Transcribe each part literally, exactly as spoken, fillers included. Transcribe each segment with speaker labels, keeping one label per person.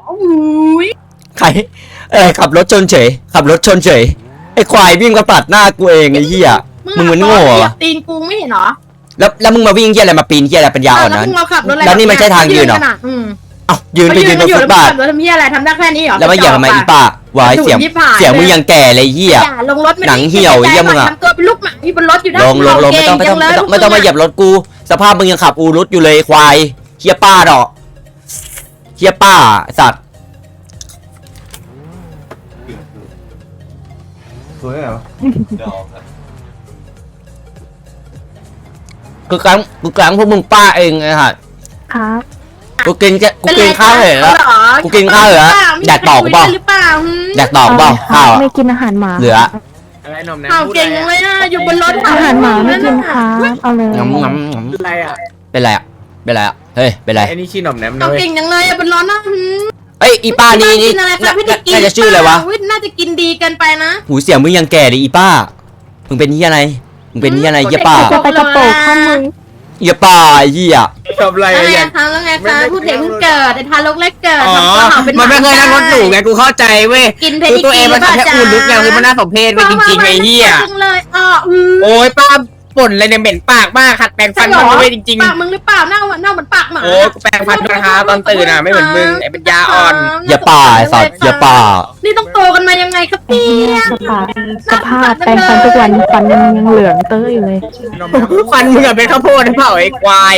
Speaker 1: อุ้ย
Speaker 2: ใครเออขับรถชนเฉยขับรถชนเฉยไอ้ควายวิ่งมาปัดหน้ากูเองไอ้เหี้ยมึงเหมือนโง่อะ
Speaker 1: ตีนกูไม่เห็นเหรอ
Speaker 2: แล้วแล้วมึงมาวิ่งเหี้ยอะไรมาปีนเหี้ยอะไรปัญญาอ่อนนั้นแล้วนี่มันใช่ทางยืนเหรอเอ้ายืนไปยืนบนฟุตบาท
Speaker 1: แล้วทำเหี้ยอะไรทำได้แค่นี้เหรอ
Speaker 2: แล้วมาเหยียบทำไมอีป้าวายเสียงเสียงมึงยังแก่เลยเหี้ย
Speaker 1: ลงรถ
Speaker 2: หนังเหี่ยวเหี้ยมึงอะ
Speaker 1: ทำตัวเป็นลูกหมาที่บนรถอยู่นะ
Speaker 2: ลงลงลงไม่ต้องไม่ต้องไม่ต้องไม่ต้องมาเหยียบรถกูสภาพมึงยังขับอูรุตอยู่เลยควายเฮียป้าดอกเฮียป้าสัตว์
Speaker 3: สวยเหรอ
Speaker 2: กูกลางกูกลางพวกมึงป้าเองไอ้ห่า
Speaker 4: ครับ
Speaker 2: กูกินแค่กูกินข้าวเหรอกูกินข้าวเหรออยากตอกเปล่าอยากตอกเปล่าข้าว
Speaker 4: ไม่กินอาหารหมา
Speaker 2: เหลือ
Speaker 3: อะไรหนมแนม
Speaker 1: ข่าวเก่งเลยนะอยู่บนรถ
Speaker 4: อาหารหมาไม่กินครับเอาเลย
Speaker 2: งำงำง
Speaker 3: ำอะไรอ่ะ
Speaker 2: เป็นไรอ่ะเป็นไรอ่ะเฮ้ยเป็นไร
Speaker 3: ไอ้นี่ชื่อหนมแนมนะ
Speaker 1: ข่าวเก่งยังเลยบนรถนะ
Speaker 2: เอ้ยอีป้านี่นี่น่าจะชื่ออะไรวะ
Speaker 1: น่าจะกินดีเกินไปนะ
Speaker 2: หูเสียงมึงยังแก่เลยอีป้ามึงเป็นเฮียอะไรมึงเป็นเฮียอะไรเฮียป้า
Speaker 4: จะไปกระโปรงข้อมือ
Speaker 2: เฮียป้าเฮีย
Speaker 3: ทำอะไร
Speaker 1: อะไร
Speaker 3: อ่ะ
Speaker 1: คะแล้วไงคะพูดเด็กเพิ่งเกิดแต่ทารกแรกเกิด
Speaker 3: มันไม่เคยนั่งรถหรูไงกูเข้าใจเว้ยคือตัวเองมันแค่อูรุตไงคือมันน่าสมเพชไว้จริงๆไอ้เหี้ย
Speaker 1: เลยอ๋อ
Speaker 3: โอ้ยป้าป่นอะไรเนี่ยเหม็นปากมากขัดแปรงฟันมันไม่จริง
Speaker 1: ๆปากมึงหรือเปล่าหน้าหน้าเหมือนปากหมา
Speaker 3: โอ้แปรงฟันนะคะตอนตื่นอ่ะไม่เหมือนมึงไอ้เป็นยาอ่อน
Speaker 2: อย่าป่าสัตว์อย่าป่า
Speaker 1: นี่ต้องโตกันมายังไงครับพี่
Speaker 4: สภาพสภาพแปรงฟันทุกวันฟันยังยังเหลืองเต้ยอยู่เลย
Speaker 3: ฟันมึงอะเป็นข้าวโพดหรือเปล่าไอ้ควาย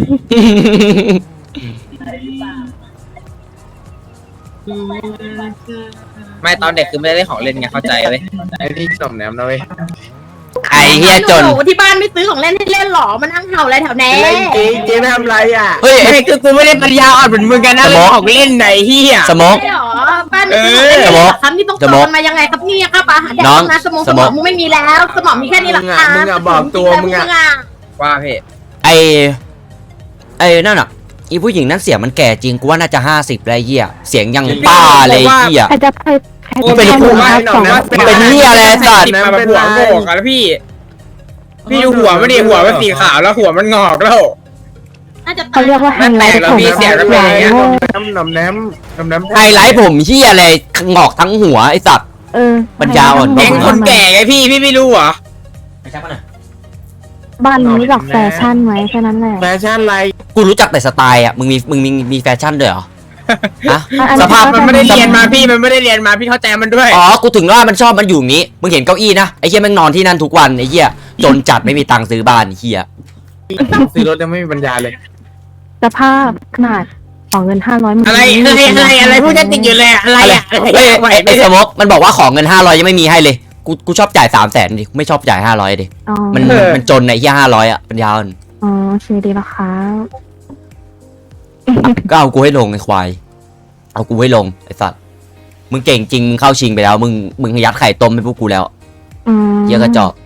Speaker 3: ไม่ตอนเด็กคือไม่ได้เล่นของเล่นไงเข้าใจเลยไอ้นี่สมแนมนะเว้ย
Speaker 2: ไอ้เฮียจน
Speaker 1: ที่บ้านไม่ซื้อของเล่นให้เล่นหรอมันนั่งเห่าอะไรแถวแน่
Speaker 3: เจ๊เจ๊ไม่ทำไรอ่ะเฮ้ยคือกูไม่ได้ปัญญาอ่อนเหมือนมึงกันนะเล่นของเล่นไหนเฮีย
Speaker 2: สมอง
Speaker 1: หรอบ้านไม่ซื้อของเล่นครับนี่ต้องโตกันมายังไงครับเนี่ยครับอาหารแดกนะสมองสมองมึงไม่มีแล้วสมองมีแค่นี้หรอคะ
Speaker 3: มึงอะบอกตัวมึงอะว่าพี่
Speaker 2: ไอไอนั่นอ่ะอีผู้หญิงนั้นเสียงมันแก่จริงกูว่าน่าจะห้าสิบแล้วเฮียเสียงยังป้าเลยเฮีย
Speaker 4: ใครจะใคร
Speaker 2: เป็นผู้เป็นเฮียอะไรสัตว์
Speaker 3: มาหัวโง่กันแล้วพี่พี่ดูหัวมันดิหัวมันสีขาวแล้วหัวมันงอกแล้ว
Speaker 4: เขาเรียกว่าไฮไลท์ผม
Speaker 3: เสียงอะไรน้ำน้ำน้ำน้ำน้ำ
Speaker 2: ไฮไลท์ผมเฮียอะไรงอกทั้งหัวไอสัตว์
Speaker 4: เออ
Speaker 2: ปัญญาอ่อน
Speaker 3: เองคนแก่ไงพี่พี่ไม่รู้เหรอ
Speaker 2: ไม่ใช่ป่ะน่ะ
Speaker 4: บ้านนี้หลักแฟชั่นไหมแค่นั้นแหละ
Speaker 3: แฟชั่นอะไร
Speaker 2: กูรู้จักแต่สไตล์อ่ะมึงมีมึงมีมีแฟชั่นด้วยเหรอฮะ
Speaker 3: สภาพมันไม่ได้เรียนมาพี่มันไม่ได้เรียนมาพี่เข้าใจมันด้วย
Speaker 2: อ๋อกูถึงว่ามันชอบมันอยู่งี้มึงเห็นเก้าอี้นะไอ้เหี้ยมันนอนที่นั่นทุกวันไอ้เหี้ยจนจัดไม่มีตังค์ซื้อบ้านเหี้ย
Speaker 3: ซื้อรถยังไม่มีปัญญาเลย
Speaker 4: สภาพขนาดขอเงินห้าร้อย
Speaker 3: อะไรอะไรอะไรอะไรพูดจะติดอยู่เลยอะไรอะ
Speaker 2: ไอ้สมกมันบอกว่าขอเงินห้าร้อยยังไม่มีให้เลยกูกูชอบจ่ายสามแสนดิไม่ชอบจ่ายห้าร้อยดิมันมันจนไอ้เหี้ยห้าร้อยอ่ะปัญญาอ่อน
Speaker 4: อ๋อชื่อดีแล้วครับ
Speaker 2: ก็เอากูให้ลงไอ้ควายเอากูให้ลงไอ้สัตว์มึงเก่งจริงมึงเข้าชิงไปแล้วมึงมึงยัดไข่ต้มให้พวกกูแล้วเยอะกระจอก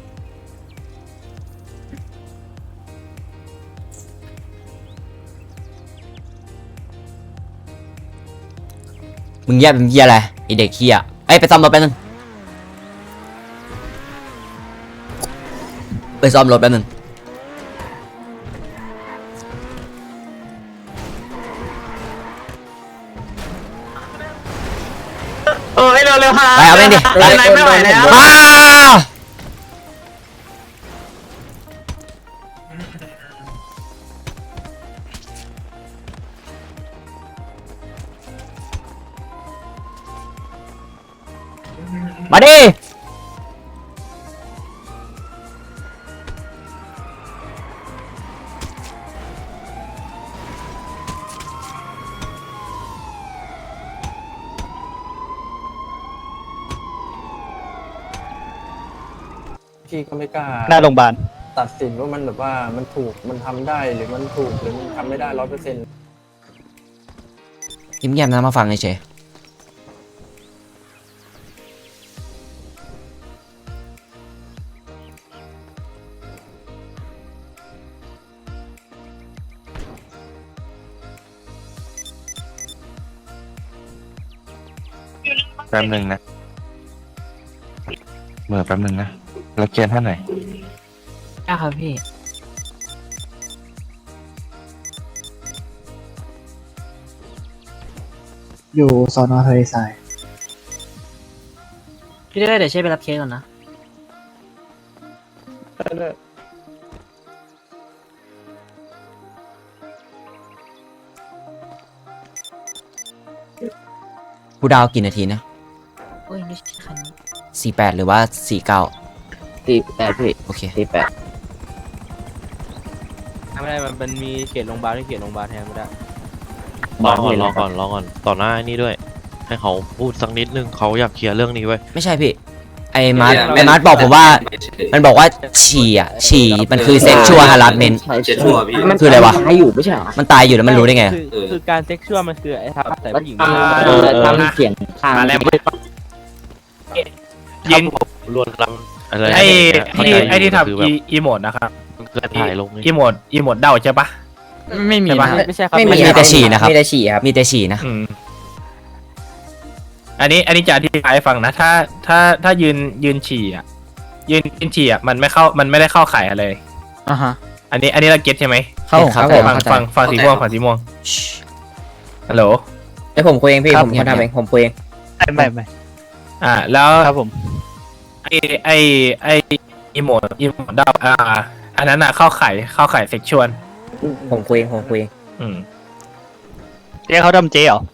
Speaker 2: มึงแย่เป็นเหี้ยอะไรไอเด็กเหี้ยไอไปซ่อมรถแป๊บนึงไปซ่อมรถแป๊บนึง
Speaker 3: โอ้ยเร็วๆค่ะ
Speaker 2: ไปเอาไปดิ
Speaker 3: ไปไม่ไหวแล้ว
Speaker 2: มาดิ
Speaker 3: พี่ก็ไม่กล้า
Speaker 2: หน้าโรงพยาบาล
Speaker 3: ตัดสินว่ามันแบบว่ามันถูกมันทำได้หรือมันถูกหรือมันทำไม่ได้ร้อยเปอร์เซ็นต์
Speaker 2: ยิ้มแย้มนะมาฟังเฉย
Speaker 5: แป๊บหนึ่งนะเมื่อแป๊บหนึ่งนะแล้วเกียร์ท่านไหน
Speaker 6: ได้ครับพี่
Speaker 7: อยู่สอนอทะเลทราย
Speaker 6: พี่ได้เดี๋ยวเช่ไปรับเคสก่อนนะ
Speaker 2: กูดาวกี่นาทีนะ
Speaker 6: โอ้ยไม่ใช่คันนี้
Speaker 2: สี่แปดหรือว่าสี่เก้า
Speaker 3: ตีแปดพี่
Speaker 2: โอเค
Speaker 3: ตีแปด
Speaker 8: ไม่ได้มันมันมีเขตโรงพยาบาลที่เขตโรงพยาบาลแทนไม่ได้
Speaker 9: รอก่อนรอก่อนรอก่อนต่อหน้าไอ้นี่ด้วย ให้เขาพูดสักนิดนึงเขาอยากเคลียร์เรื่องนี้ไว้ย
Speaker 2: ไม่ใช่พี่ ไอ้มาร์ทไอ้มาร์ทบอกผมว่า มันบอกว่าฉี่อ่ะ ฉี่มันคือเซ็กชวลฮาร์ดเมน
Speaker 3: เจ็ดชั่วพี่
Speaker 2: คืออะไรวะ
Speaker 3: ให้อยู่ไม่ใช่เหรอ
Speaker 2: มันตายอยู่แล้วมันรู้ได้ไง
Speaker 8: คือคือการเซ็กชวลมันคือไอ้ทำแต่ผู้หญิง
Speaker 3: เออทำเสียงข้าง
Speaker 10: มาแล้ว
Speaker 9: ยินรวนลำอะไร
Speaker 10: ไอ้
Speaker 9: เข้า
Speaker 10: ที่
Speaker 9: ใจ
Speaker 10: ไอ้ที่
Speaker 9: คือ
Speaker 10: ทำ
Speaker 9: แบบ
Speaker 10: อีอีโมดนะครับ
Speaker 9: มันเกิดถ่ายลงนี่
Speaker 10: อีโมดอีโมดเดาใช่ปะ
Speaker 3: ไม่มี
Speaker 10: ใช่ปะ
Speaker 8: ไม่ใช่ครับ
Speaker 3: ไม่
Speaker 2: มัน
Speaker 3: มี
Speaker 2: มีแต่ฉี่นะครับ
Speaker 3: มีแต่ฉี่ครับ
Speaker 2: มีแต่ฉี่นะ
Speaker 10: อืมอันนี้อันนี้จะอธิบายให้ฟังนะ ถ้าถ้าถ้ายืนยืนฉี่อ่ะยืนยืนฉี่อ่ะมันไม่เข้ามันไม่ได้เข้าข่ายอะไร
Speaker 3: อ่าฮะ
Speaker 10: อันนี้อันนี้เราเก็ตใช่ไหม
Speaker 3: เข้าครับผม
Speaker 10: ฟังฟังฟังสีม่วงฟังสีม่วงฮัลโหล
Speaker 3: ไอผมคุยเองพี่ผมคนทำเองผมคุยเอง
Speaker 10: ไม่ไม่อ่าแล้วครับผมไอไอไออีโมดอีโมดเดาอ่า อันนั้นอ่ะเข้าข่ายเข้าข่ายเซ็กชวล
Speaker 3: ผมคุยเองผมคุยเอง
Speaker 10: อืม
Speaker 11: เจ๊เขาทำเจ๊เหรอ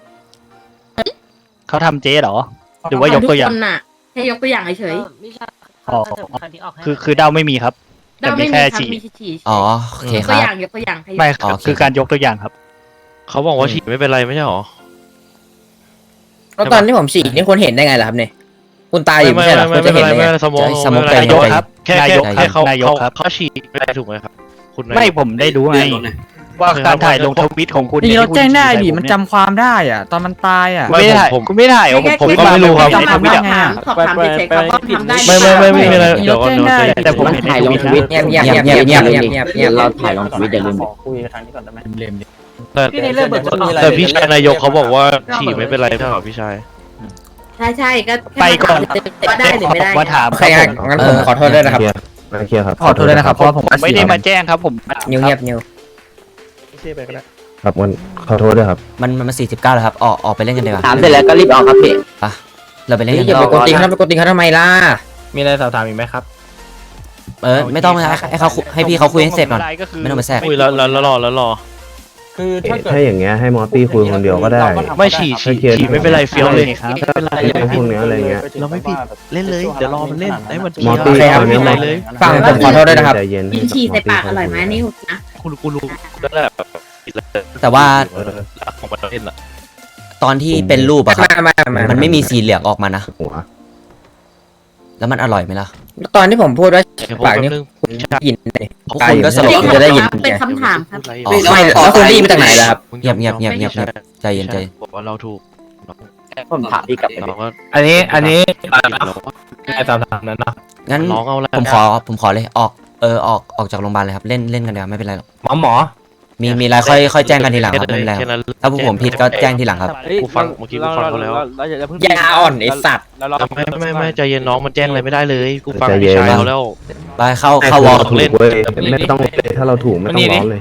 Speaker 11: เขาทำเจ๊เหรอ หรือว่ายกตัวอย่าง
Speaker 1: ทุคนน่ะให้ยกตัวอย่างเฉย
Speaker 6: ไม่ใช่
Speaker 11: อ๋อ
Speaker 6: ถ้าเกิดคันนี้ออกให้
Speaker 11: คือคือเดาไม่มีครับ
Speaker 1: ๆ
Speaker 11: แต่
Speaker 1: เรา
Speaker 11: มี
Speaker 1: ไม่มี
Speaker 11: แค่
Speaker 1: ครับ
Speaker 11: ฉี่
Speaker 1: มีฉี่
Speaker 2: อ๋อ โอเค
Speaker 1: ยก
Speaker 2: ค
Speaker 1: ตัว
Speaker 2: รับ
Speaker 1: อย่างยกตัวอย่างให้
Speaker 11: ไม่ครับ
Speaker 2: โอเค
Speaker 11: คือการยกตัวอย่างครับ
Speaker 9: เขาบอกว่าฉี่ไม่เป็นไรไม่ใช่หรอ
Speaker 3: แล้วตอนที่ผมฉี่นี่คนเห็นได้ไงล่ะครับเนี่ยคุณตายอยู่ไม่
Speaker 9: ไม่
Speaker 3: ใช่เหรอ
Speaker 9: ไม่
Speaker 3: คุณ
Speaker 9: ไม่
Speaker 3: จะ
Speaker 9: เป็น
Speaker 3: เห็น
Speaker 9: ไร
Speaker 3: ได้
Speaker 9: ไม่
Speaker 3: ไง
Speaker 9: เป็นไรสมอง
Speaker 2: สมอง
Speaker 9: ไม่เป็นไร
Speaker 2: นายก
Speaker 9: แค่
Speaker 11: นาย
Speaker 9: แค่
Speaker 11: ก
Speaker 9: แค่เขา
Speaker 11: นายก
Speaker 9: เขา
Speaker 11: ครับ
Speaker 9: เขาฉี่ไม่ได้ถูกไหมครับคุณนายก
Speaker 11: ไม่ผมได้รู้ไงว่าการถ่ายลงทวิตของคุณ
Speaker 3: นี่เรา
Speaker 11: ที่คุณ
Speaker 3: แจ้งได้ดิ
Speaker 11: ฉี่ใส่
Speaker 3: มัน
Speaker 11: ผเย
Speaker 3: จำความได้อ่ะ ตอนมันตายอ่ะ
Speaker 11: คุณไม่ได้ถ่ายคุณไม่ได้ถ่ายเหรอผมผม
Speaker 9: ก็ไม่รู้ครับ
Speaker 1: สอบถาม
Speaker 11: ไม่
Speaker 1: ส
Speaker 11: ได้
Speaker 1: อบถามสอบถามเฉยๆครับว่าทำได้
Speaker 9: ไม่ไม่ไม่ไม่มีอะไร
Speaker 3: นี่
Speaker 9: เดี๋ยว
Speaker 3: เรา
Speaker 9: ก่อน
Speaker 3: แจ้ง
Speaker 9: เดี๋ยว
Speaker 3: ได้
Speaker 9: ใจ
Speaker 11: แต่ผมเห็นในทวิตนะ
Speaker 3: เงียบเงียบเงียบเงียบเงียบเงียบเงียบเงียบเราถ่ายลงทวิตอย่าลืม
Speaker 11: คุยครั้งนี้ก่อนได้ไหมเล่ม
Speaker 9: แต่
Speaker 6: พี่ในเรื่องเบิกรถออก
Speaker 9: แต่พี่ชายนายกเขาบอกว่าฉี่ไม่เป็นไรไม่ใช่หรอพี่ชาย
Speaker 1: ใช่ใช่ๆก็
Speaker 11: ไปก่อน
Speaker 1: ว่าได้หรือไม่ได้
Speaker 11: มาถาม
Speaker 3: โอเคงั้นงั้นผมขอโทษด้วยนะครับ
Speaker 5: เคลียร์ครับ
Speaker 3: ขอโทษด้วยนะครับเพราะว่าผม
Speaker 11: ผมไม่ได้มาแจ้งครับผม
Speaker 3: นิวเงียบนิว
Speaker 5: ครับวันขอโทษด้วยครับ
Speaker 2: มันมันมันสี่สิบเก้าแล้วครับ ออกออกไปเล่นกันดีกว่า
Speaker 3: ถามเสร็จแล้วก็รีบออกครับพี่
Speaker 2: เราไปเล่นกัน
Speaker 3: อย่าไปกดติงเขาไปกดติงเขาทำไมล่ะ
Speaker 10: มีอะไรสอบถามอีกไหมครับ
Speaker 2: เออ ไม่ต้องนะให้เขาคุยให้พี่เขาคุยให้เสร็จก่อน
Speaker 11: ก็คือ
Speaker 2: ไม่ต้องมาแทรก
Speaker 9: คุยแล้วแล้วแล้วรอแล้วรอ
Speaker 5: คือถ้าอย่างเงี้ยให้มอตตี้คุยคนเดียวก็ได้
Speaker 9: ไม่ฉี่ฉี่ฉี่ไม่เป็นไรเฟี้ยวเลย
Speaker 11: ครับ
Speaker 5: เรื่องพวกเนี้ยอะไรเงี้ย
Speaker 9: เราไม่ผิดเล่นเลยเดี๋ยวรอมันเล่นให้มัน
Speaker 5: มอตตี้
Speaker 3: โอเคครับ
Speaker 5: ตอน
Speaker 9: ไม่
Speaker 5: นี้
Speaker 9: เป็น
Speaker 5: ม
Speaker 9: ไร
Speaker 5: อต
Speaker 9: เลย
Speaker 3: ฟังผมขอโทษด้วยนะครับ
Speaker 5: ใจเย็น
Speaker 1: กินฉี่ใส่ปากอร่อยไหมนี่นะ
Speaker 9: คุณกูรู้นั่นแหละ
Speaker 2: แต่ว่า
Speaker 5: เออ
Speaker 9: ของมันเล่นอ่ะ
Speaker 2: ตอนที่เป็นรูปอะครับ
Speaker 3: มามามา
Speaker 2: มันไม่มีสีเหลืองออกมานะ
Speaker 5: หัว
Speaker 2: แล้วมันอร่อยไหมล่ะ
Speaker 3: ตอนที่ผมพูดว่า
Speaker 9: เดี๋ยว
Speaker 3: ปากนี่
Speaker 9: แป๊บนึง
Speaker 3: คุณได้ยินเลย
Speaker 2: พวกคุณก็สลบ
Speaker 3: คุณจะได้ยิน
Speaker 1: เป็นคำถามครับ
Speaker 2: อ๋อ
Speaker 3: ไม่แล้วคุณได้ยินมาจากไหนล่ะครับ
Speaker 2: เงียบเงียบเงียบเงียบเงียบใจเย็นใจเย็น
Speaker 9: บอกว่าเราถูก
Speaker 3: ผมถามพี่กลับไป
Speaker 9: เราก็
Speaker 10: อันนี้อันนี้
Speaker 9: เรา
Speaker 10: ไอ้สอบถามนั้นเนาะ
Speaker 2: งั้น
Speaker 9: ร้องเอาแล้ว
Speaker 2: ผมขอผมขอเลยออกเออออกออกจากโรงพยาบาลเลยครับเล่นเล่นกันเดี๋ยวไม่เป็นไรหรอก
Speaker 10: หมอหมอ
Speaker 2: มีมีอะไรค่อยค่อยแจ้งกันทีหลังครับไม่เป็นไรค
Speaker 9: แค่
Speaker 2: รับ
Speaker 9: นั้น
Speaker 2: ถ้าพวกผมผิดก็แจ้งทีหลังครับ
Speaker 9: กูฟังเมื่อกี้กูฟังเขาแล้ว
Speaker 3: ยาอ่อนไอสัตว์
Speaker 9: ไม่ไม่ไม่ใจเย็นน้องมันแจ้งอะไรไม่ได้เลยกูฟังพี่ชายเขาแล้ว
Speaker 2: ไปเข้าเข้าวอล
Speaker 5: ถูกเว้ยไม่ต้องเลยถ้าเราถูกไม่ต้องร้องเลย